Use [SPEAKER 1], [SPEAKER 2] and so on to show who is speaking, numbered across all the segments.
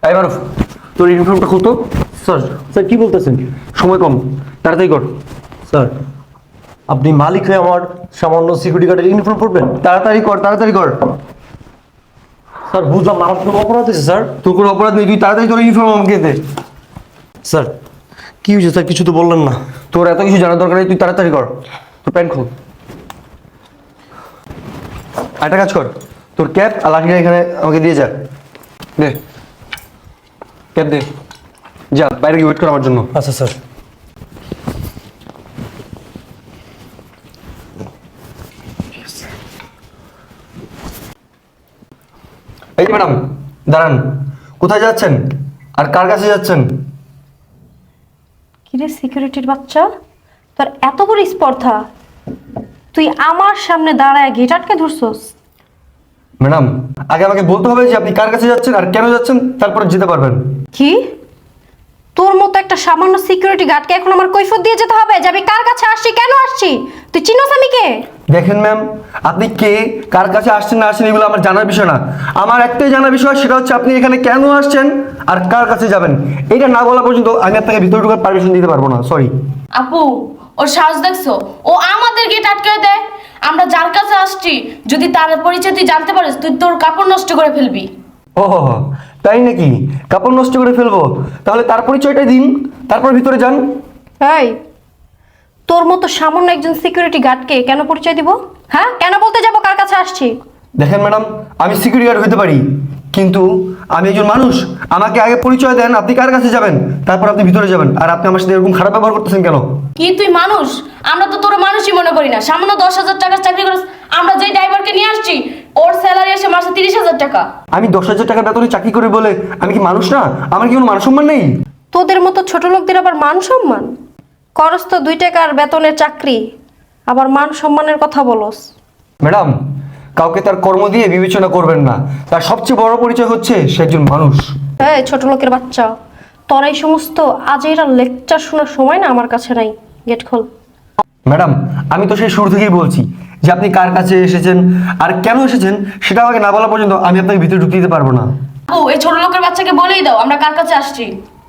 [SPEAKER 1] এই মারুফ, তোর ইউনিফর্মটা খুলতো।
[SPEAKER 2] Sir sir কি বলতেছেন?
[SPEAKER 1] সময় কম, তাড়াতাড়ি কর।
[SPEAKER 2] স্যার আপনি মালিক হয়ে আমার সামান্য সিকিউরিটি গার্ডের ইউনিফর্ম পরবেন?
[SPEAKER 1] তাড়াতাড়ি কর, তাড়াতাড়ি কর।
[SPEAKER 2] স্যার বুঝলাম না, আমার কোনো অপরাধ হয়েছে স্যার?
[SPEAKER 1] তোর কোনো অপরাধ নেই, তুই তাড়াতাড়ি তোর ইউনিফর্ম আমাকে দে।
[SPEAKER 2] স্যার কি হয়েছে স্যার? কিছু তো বললেন না।
[SPEAKER 1] তোর এত কিছু জানার দরকার নেই, তুই তাড়াতাড়ি কর। তোর প্যান্ট খোল। একটা কাজ কর, তোর ক্যাপ আর লাঠিটা এখানে আমাকে দিয়ে যা। দে ক্যাপ দে, যা বাইরে গিয়ে ওয়েট কর আমার জন্য।
[SPEAKER 2] আচ্ছা স্যার।
[SPEAKER 1] এই যে ম্যাডাম, দাঁড়ান। কোথায় যাচ্ছেন আর কার কাছে যাচ্ছেন?
[SPEAKER 3] কিরে সিকিউরিটির বাচ্চা, তোর এত বড় স্পর্ধা, তুই আমার সামনে দাঁড়ায় গেট আটকে ধরছস?
[SPEAKER 1] ম্যাডাম, আগে আমাকে বলতে হবে যে আপনি কার কাছে যাচ্ছেন আর কেন যাচ্ছেন, তারপরে যেতে পারবেন।
[SPEAKER 3] কি, তোর মতো একটা সামান্য সিকিউরিটি গার্ডকে এখন আমার কৈফিয়ত দিয়ে যেতে হবে যে আমি কার কাছে আসছি, কেন আসছি? তুই চিনোস আমি কে?
[SPEAKER 1] দেখেন ম্যাম, আপনি কে, কার কাছে আসছেন না আসছেন এগুলো আমার জানার বিষয় না। আমার একটাই জানার বিষয়, সেটা হচ্ছে আপনি এখানে কেন আসছেন আর কার কাছে যাবেন। এটা না বলা পর্যন্ত আমি আপনাকে ভিতরে ঢোকার পারমিশন দিতে পারবো না, সরি।
[SPEAKER 4] আপু, ওর সাহস দেখছো? ও আমাদের গেট আটকে দেয়। আমরা যার কাছে আসছি, যদি তার পরিচয় তুই জানতে পারিস, তুই তোর কাপড় নষ্ট করে ফেলবি।
[SPEAKER 1] ও তাই নাকি? কাপড় নষ্ট করে ফেলবো? তাহলে তার পরিচয়টা দিন, তারপর ভিতরে যান।
[SPEAKER 3] এই, তোর মতো সামান্য একজন সিকিউরিটি গার্ডকে কেন পরিচয় দিব? হ্যাঁ, কেন বলতে যাব কার কাছে আসছি?
[SPEAKER 1] দেখেন ম্যাডাম, আমি সিকিউরিটি গার্ড হতে পারি, কিন্তু আমি একজন মানুষ। আমাকে আগে পরিচয় দেন, আপনি কার কাছে যাবেন, তারপর আপনি ভিতরে যাবেন। আর আপনি আমার সাথে এরকম খারাপ ব্যবহার করতেছেন কেন?
[SPEAKER 4] কি তুই মানুষ? আমরা তো তোর মানুষই মনে করি না। সামান্য 10,000 টাকার চাকরি করিস। আমরা যেই ড্রাইভারকে নিয়ে আসছি, ওর স্যালারি আসে মাসে 30,000 টাকা।
[SPEAKER 1] আমি 10,000 টাকার বেতনে চাকরি করি বলে আমি কি মানুষ না? আমার কি কোনো মান সম্মান নেই?
[SPEAKER 3] তোদের মতো ছোট লোকদের আবার মান সম্মান? করস তো 2 টাকার বেতনের চাকরি, আবার মান সম্মানের কথা বলস?
[SPEAKER 1] ম্যাডাম, কাউকে তার কর্ম দিয়ে বিবেচনা করবেন না। তার সবচেয়ে বড় পরিচয় হচ্ছে সে একজন মানুষ।
[SPEAKER 3] এই ছোট লোকের বাচ্চা, তোর এই সমস্ত আজেরা লেকচার শোনার সময় না আমার কাছে নাই। গেট খোল।
[SPEAKER 1] ম্যাডাম, আমি তো সেই শুরু থেকেই বলছি যে আপনি কার কাছে এসেছেন আর কেন এসেছেন সেটা আমাকে না বলা পর্যন্ত আমি আপনাকে ভিতরে ঢুকতে দিতে পারবো না।
[SPEAKER 4] আপু, এই ছোট লোকের বাচ্চাকে বলেই দাও আমরা কার কাছে আসছি।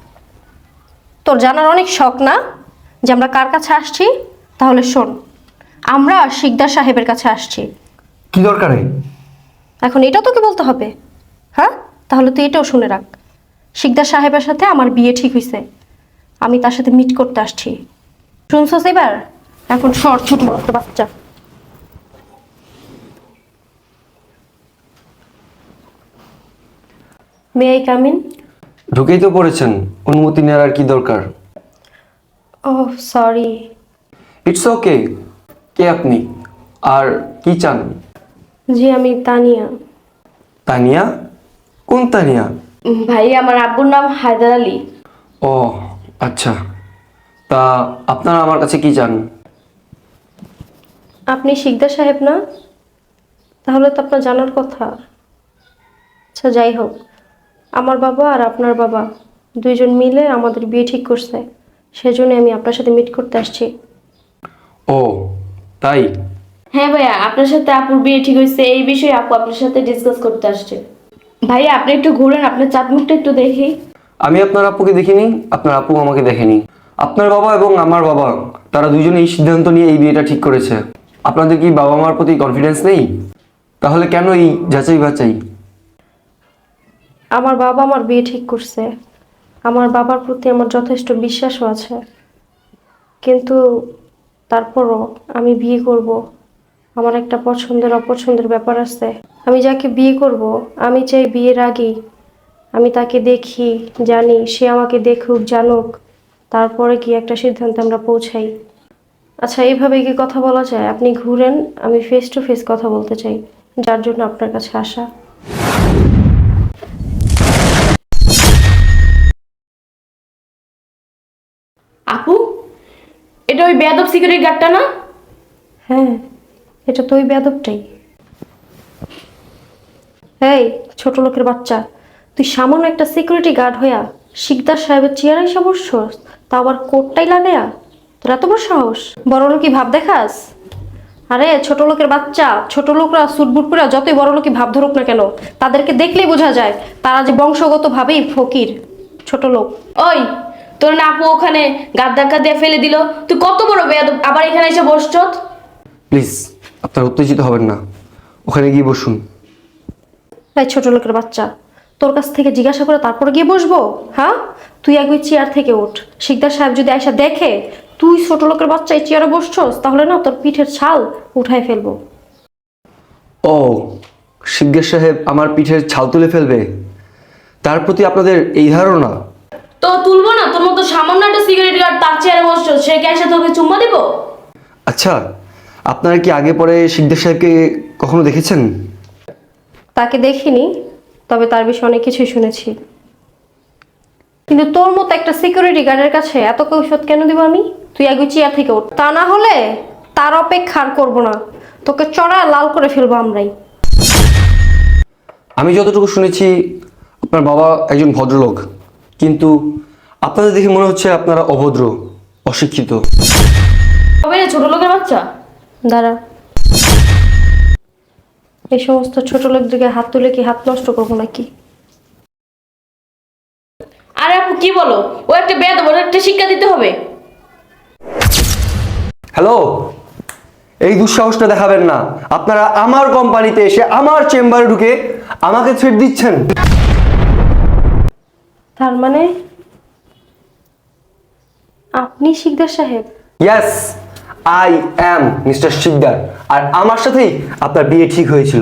[SPEAKER 3] তোর জানার অনেক শখ না যে আমরা কার কাছে আসছি? তাহলে শোন, আমরা শিকদার সাহেবের কাছে আসছি।
[SPEAKER 1] কি দরকারে?
[SPEAKER 3] এখন এটাও তোকে বলতে হবে? হ্যাঁ, তাহলে তুই এটাও শুনে রাখ। শিকদার সাহেবের সাথে আমার বিয়ে ঠিক হয়েছে, আমি তার সাথে মিট করতে আসছি। শুনছস এবার? এখন সর ছোট লোকের বাচ্চা। May I come in?
[SPEAKER 1] ঢুকেই তো পড়েছেন, অনুমতি নেওয়ার আর কি দরকার?
[SPEAKER 3] Oh sorry.
[SPEAKER 1] It's okay. কে আপনি আর কি চান?
[SPEAKER 3] জি আমি তানিয়া।
[SPEAKER 1] তানিয়া? কোন তানিয়া?
[SPEAKER 4] ভাই, আমার আব্বুর নাম হায়দার আলী।
[SPEAKER 1] ও আচ্ছা, তা আপনারা আমার কাছে কি চান?
[SPEAKER 3] আপনি শিকদার সাহেব না? তাহলে তো আপনার জানার কথা। আচ্ছা যাই হোক, আমার বাবা আর আপনার বাবা দুইজন মিলে আমাদের বিয়ে ঠিক করছে, সেজন্য আমি আপনার সাথে মিট করতে আসছি।
[SPEAKER 1] ও তাই?
[SPEAKER 4] হ্যাঁ ভাইয়া, আপনার সাথে আপুর বিয়ে ঠিক হয়েছে, এই বিষয়ে আপু আপনার সাথে ডিসকাস করতে আসছে। ভাইয়া আপনি একটু ঘুরেন, আপনার চাঁদ মুখটা একটু দেখি।
[SPEAKER 1] আমি আপনার আপুকে দেখিনি, আপনার আপু আমাকে দেখেনি। আপনার বাবা এবং আমার বাবা, তারা দুইজনে এই সিদ্ধান্ত নিয়ে এই বিয়েটা ঠিক করেছে। আপনাদের কি বাবা মার প্রতি কনফিডেন্স নেই? তাহলে কেন এই যাচাই বাছাই?
[SPEAKER 3] আমার বাবা আমার বিয়ে ঠিক করছে, আমার বাবার প্রতি আমার যথেষ্ট বিশ্বাসও আছে, কিন্তু তারপরও আমি বিয়ে করব, আমার একটা পছন্দের অপছন্দের ব্যাপার আছে। আমি যাকে বিয়ে করব, আমি চাই বিয়ের আগেই আমি তাকে দেখি, জানি, সে আমাকে দেখুক জানুক, তারপরে কি একটা সিদ্ধান্তে আমরা পৌঁছাই। আচ্ছা এইভাবে কি কথা বলা যায়? আপনি ঘুরেন, আমি ফেস টু ফেস কথা বলতে চাই, যার জন্য আপনার কাছে আসা।
[SPEAKER 4] আপু, এটা ওই বেয়াদব সিকিউরিটি গার্ডটা না?
[SPEAKER 3] হ্যাঁ, এটা তো ওই বেয়াদবটাই। এই ছোট লোকের বাচ্চা, তুই সামান্য একটা সিকিউরিটি গার্ড হইয়া শিকদার সাহেবের চেয়ারে এসে বসছস, তা আবার কোটটাই লাগাইয়া? তোর এত বড় সাহস? বড় লোকই ভাব দেখাস? আরে ছোট লোকের বাচ্চা, ছোট লোকরা সুটবুট পরে যতই বড় লোকই ভাব ধরুক না কেন, তাদেরকে দেখলেই বোঝা যায় তারা যে বংশগতভাবেই ফকির, ছোট লোক।
[SPEAKER 4] ওই তোর না আপু ওখানে গাদ ধাক্কা দিয়ে ফেলে দিল, তুই কত বড় বেয়াদব, আবার এখানে এসে বসছত।
[SPEAKER 1] প্লিজ আপনারা উত্তেজিত হবেন না, ওখানে গিয়ে বসুন।
[SPEAKER 3] এই ছোট লোকের বাচ্চা, তোর কাছ থেকে জিজ্ঞাসা করে তারপর গিয়ে বসবো? হ্যাঁ, তুই আগে চেয়ার থেকে ওঠ। শিকদার সাহেব যদি আয়সা দেখে তুই ছোট লোকের বাচ্চা এই চেয়ারে বসছস, তাহলে না তোর পিঠের ছাল উঠায় ফেলবো।
[SPEAKER 1] ও, শিগগির সাহেব আমার পিঠের ছাল তুলে ফেলবে, তার প্রতি আপনাদের এই ধারণা?
[SPEAKER 4] তো তুলবো না, তোর মতো সামান্য একটা সিকিউরিটি গার্ড তার চেয়ারে বসছো, সে কি এসে তোকে চুম্মা দিব?
[SPEAKER 1] আচ্ছা, আপনারা কি আগে পরে শিকদার সাহেবকে কখনো দেখেছেন?
[SPEAKER 3] তাকে দেখিনি, তবে তার বিষয়ে অনেক কিছুই শুনেছি। কিন্তু তোর মতো একটা সিকিউরিটি গার্ডের কাছে এত কৈফিয়ত কেন দিব আমি? তুই আগে চেয়ার থেকে ওঠ, তা না হলে তার অপেক্ষা আর করবো না, তোকে চড়া লাল করে ফেলবো আমরাই।
[SPEAKER 1] আমি যতটুকু শুনেছি আপনার বাবা একজন ভদ্রলোক, কিন্তু আপনাদের দেখে মনে হচ্ছে আপনারা অভদ্র, অশিক্ষিত।
[SPEAKER 4] তবে ছোট লোকের বাচ্চা,
[SPEAKER 3] দাঁড়া, এই সমস্ত ছোট লোকদেরকে হাত তুলে কি হাত নষ্ট করবো নাকি?
[SPEAKER 4] আরে আপু কি বলো, ও একটা বেয়াদব, ওর একটা শিক্ষা দিতে হবে।
[SPEAKER 1] হ্যালো, এই দুঃসাহসটা দেখাবেন না। আপনারা আমার কোম্পানিতে এসে আমার চেম্বারে ঢুকে আমাকে থ্রেট দিচ্ছেন।
[SPEAKER 3] তার মানে আপনি শিকদার সাহেব?
[SPEAKER 1] Yes, I am mister Sikdar, আর আমার সাথেই আপনার বিয়ে ঠিক হয়েছিল।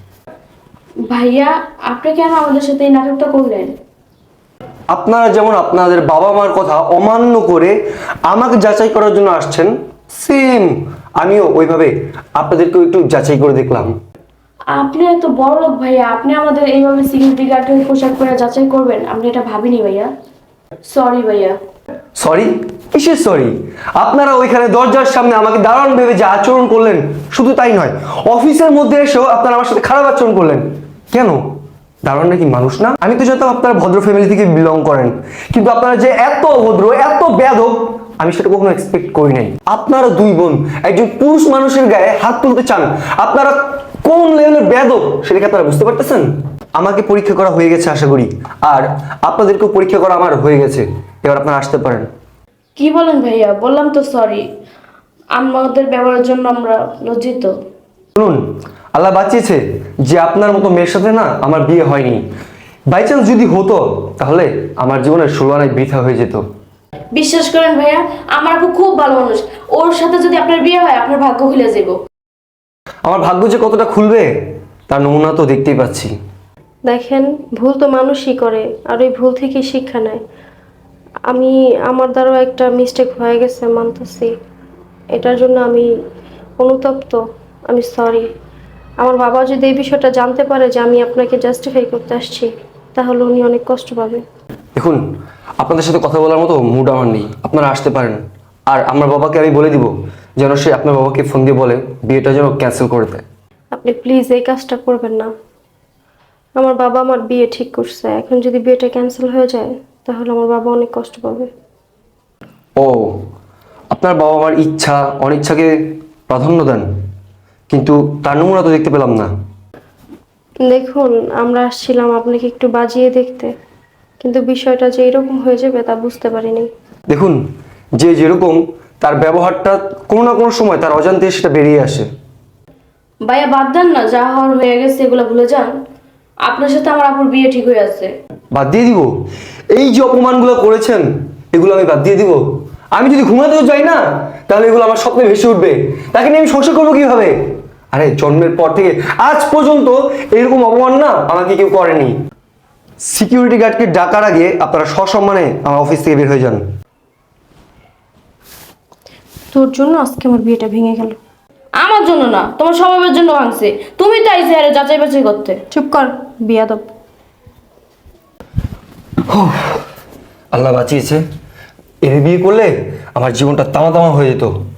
[SPEAKER 4] ভাইয়া আপনি কেন আমাদের সাথে এই নাটকটা করলেন?
[SPEAKER 1] আপনারা যেমন আপনাদের বাবা মার কথা অমান্য করে আমাকে যাচাই করার জন্য আসছেন, সেম আমিও ওইভাবে আপনাদেরকেও একটু যাচাই করে দেখলাম।
[SPEAKER 4] আপনি এত বড় লোক ভাইয়া, আপনি আমাদের এইভাবে সিকিউরিটি গার্ডের পোশাক পরে যাচাই করবেন, আমরা এটা ভাবিনি ভাইয়া। সরি ভাইয়া।
[SPEAKER 1] সরি? কিসের সরি? আপনারা ওইখানে দরজার সামনে আমাকে দারুণ ভেবে যে আচরণ করলেন, শুধু তাই নয়, অফিসের মধ্যে এসেও আপনারা আমার সাথে খারাপ আচরণ করলেন। কেন? দারুণ নাকি মানুষ না? আমি তো জানতাম আপনারা ভদ্র ফ্যামিলি থেকে বিলং করেন, কিন্তু আপনারা যে এত অভদ্র, এত বেয়াদব, আমি সেটা কখনো এক্সপেক্ট করি নাই। আপনারা দুই বোন একজন পুরুষ মানুষের গায়ে হাত তুলতে চান, আপনারা কোন লেভেলের বেয়াদব সেটা কি আপনারা বুঝতে পারতেছেন? আমাকে পরীক্ষা করা হয়ে গেছে আশা করি, আর আপনাদেরকেও পরীক্ষা করা আমার হয়ে গেছে। এবার আপনারা আসতে পারেন।
[SPEAKER 4] কি বলেন ভাইয়া? বললাম তো সরি, আমাদের ব্যবহারের জন্য আমরা লজ্জিত।
[SPEAKER 1] শুনুন, আল্লাহ বাঁচিয়েছে যে আপনার মতো মেয়ের সাথে না আমার বিয়ে হয়নি। বাই চান্স যদি হতো তাহলে আমার জীবনের 16 আনায় বৃথা হয়ে যেত।
[SPEAKER 4] বিশ্বাস করেন ভাইয়া, আমার আপু খুব ভালো মানুষ, ওর সাথে যদি আপনার বিয়ে হয় আপনার ভাগ্য খুলে যাব।
[SPEAKER 1] আমার ভাগ্য যে কতটা খুলবে তার নমুনা তো দেখতেই পাচ্ছি।
[SPEAKER 3] দেখেন, ভুল তো মানুষই করে, আর ওই ভুল থেকেই শিক্ষা নেয়। আমার দ্বারাও একটা মিস্টেক হয়ে গেছে, মানতেছি। এটার জন্য আমি অনুতপ্ত, আমি সরি। আমার বাবা যদি এই বিষয়টা জানতে পারে যে আমি আপনাকে জাস্টিফাই করতে আসছি, তাহলে উনি অনেক কষ্ট পাবে।
[SPEAKER 1] দেখুন, আপনাদের সাথে কথা বলার মতো মুড আমার নেই, আপনারা আসতে পারেন। আর আমার বাবাকে আমি বলে দিব যেন সে আপনার বাবাকে ফোন দিয়ে বলে বিয়েটা যেন ক্যান্সেল করে দেয়।
[SPEAKER 3] আপনি প্লিজ এই কাজটা করবেন না। আমার বাবা আমার বিয়ে ঠিক করছে, এখন যদি বিয়েটা ক্যান্সেল হয়ে যায় তাহলে আমার বাবা অনেক কষ্ট পাবে।
[SPEAKER 1] ও, আপনার বাবা আমার ইচ্ছা অনিচ্ছাকে প্রাধান্য দেন, কিন্তু তার নমুনা তো দেখতে পেলাম না।
[SPEAKER 3] দেখুন, আমরা আসছিলাম আপনাকে একটু বাজিয়ে দেখতে, কিন্তু বিষয়টা যে এরকম হয়ে যাবে তা বুঝতে পারিনি।
[SPEAKER 1] দেখুন, যে যেরকম তার ব্যবহারটা কোনো না কোনো সময় তার অজান্তে সেটা বেরিয়ে আসে।
[SPEAKER 4] ভাইয়া বাদ দেন না, যা হওয়ার হয়ে গেছে এগুলো ভুলে যান। আপনার সাথে আমার আপুর বিয়ে ঠিক হয়ে আছে।
[SPEAKER 1] বাদ দিয়ে দিব? এই যে অপমানগুলো করেছেন এগুলো আমি বাদ দিয়ে দিব? আমি যদি ঘুমাতেও যাই না তাহলে এগুলো আমার স্বপ্নে ভেসে উঠবে। তাকে নিয়ে আমি সংসার করবো কিভাবে? আরে জন্মের পর থেকে আজ পর্যন্ত এরকম অপমান না আমাকে কেউ করেনি। সিকিউরিটি গার্ডকে ডাকার আগে আপনারা সসম্মানে আমার অফিস থেকে বের হয়ে যান।
[SPEAKER 3] তোর জন্য আজকে আমার বিয়েটা ভেঙে গেল।
[SPEAKER 4] আমার জন্য না, তোমার স্বভাবের জন্য ভাঙছে। তুমি তো আইসে আরে যাচাই বাছাই করতে।
[SPEAKER 3] চুপ কর, বিয়াদব।
[SPEAKER 1] আল্লাহ বাঁচিয়েছে, এর বিয়ে করলে আমার জীবনটা তামা তামা হয়ে যেত।